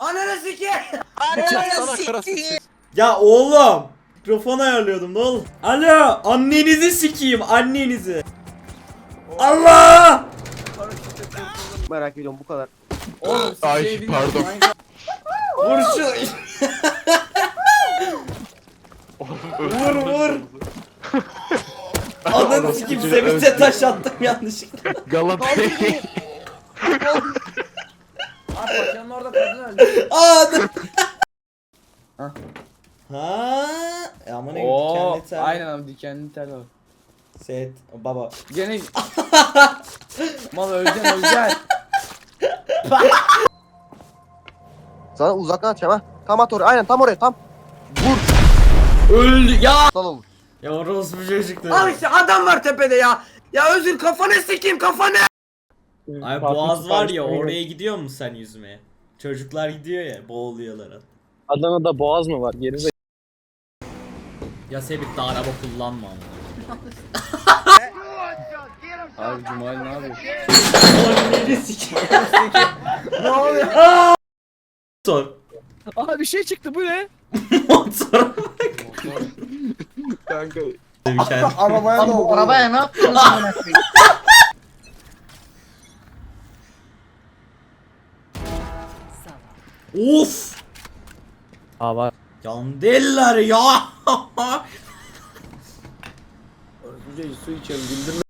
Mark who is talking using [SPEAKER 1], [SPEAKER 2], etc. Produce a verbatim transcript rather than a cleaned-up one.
[SPEAKER 1] Ananı sikeyim.
[SPEAKER 2] Sana karası.
[SPEAKER 3] Ya oğlum. Mikrofon ayarlıyordum ne oğlum. Alo annenizi sikeyim annenizi. Allah.
[SPEAKER 4] Merak ediyorum bu kadar.
[SPEAKER 1] Oğlum siz
[SPEAKER 2] Ay,
[SPEAKER 1] şey bilmiyorum.
[SPEAKER 2] pardon.
[SPEAKER 3] Vur şu. Vur vur. Adını sikeyim Sevinç'e taş attım yanlışlıkla.
[SPEAKER 2] Galatay.
[SPEAKER 1] Abi paşanın orada kadın öldü.
[SPEAKER 3] Aa dur.
[SPEAKER 1] Hah.
[SPEAKER 3] Ha, e ama ne
[SPEAKER 1] Oo,
[SPEAKER 3] dikenli tel.
[SPEAKER 1] aynen abi dikenli tel var.
[SPEAKER 3] Set baba.
[SPEAKER 1] Gene mal öleceksin öleceksin.
[SPEAKER 4] Sana uzaktan atacağım ha. Tam at oraya. Aynen tam oraya tam.
[SPEAKER 1] Öldü ya.
[SPEAKER 4] Sal olur.
[SPEAKER 3] Ya orospu çocuklar.
[SPEAKER 1] Al işte adam var tepede ya. Ya Özür kafanı sikeyim kafanı.
[SPEAKER 3] Ay boğaz var ya oraya gidiyor musun sen yüzmeye? Çocuklar gidiyor ya boğuluyorlar.
[SPEAKER 5] Adana'da boğaz mı var? Geri
[SPEAKER 3] Ya Sebit de araba kullanma ama.
[SPEAKER 1] Abi Cumali ne yapıyor?
[SPEAKER 3] Anneni sikeyim.
[SPEAKER 1] Ne oluyor?
[SPEAKER 3] Motor.
[SPEAKER 5] Aa bir şey çıktı, bu ne?
[SPEAKER 3] Motor.
[SPEAKER 5] Kanka.
[SPEAKER 1] Arabaya ne oldu?
[SPEAKER 6] Arabaya ne yapıyorsunuz amına koyayım?
[SPEAKER 3] Of.
[SPEAKER 5] Aa var.
[SPEAKER 3] Yandeller ya.
[SPEAKER 1] Önce su içelim güldürme.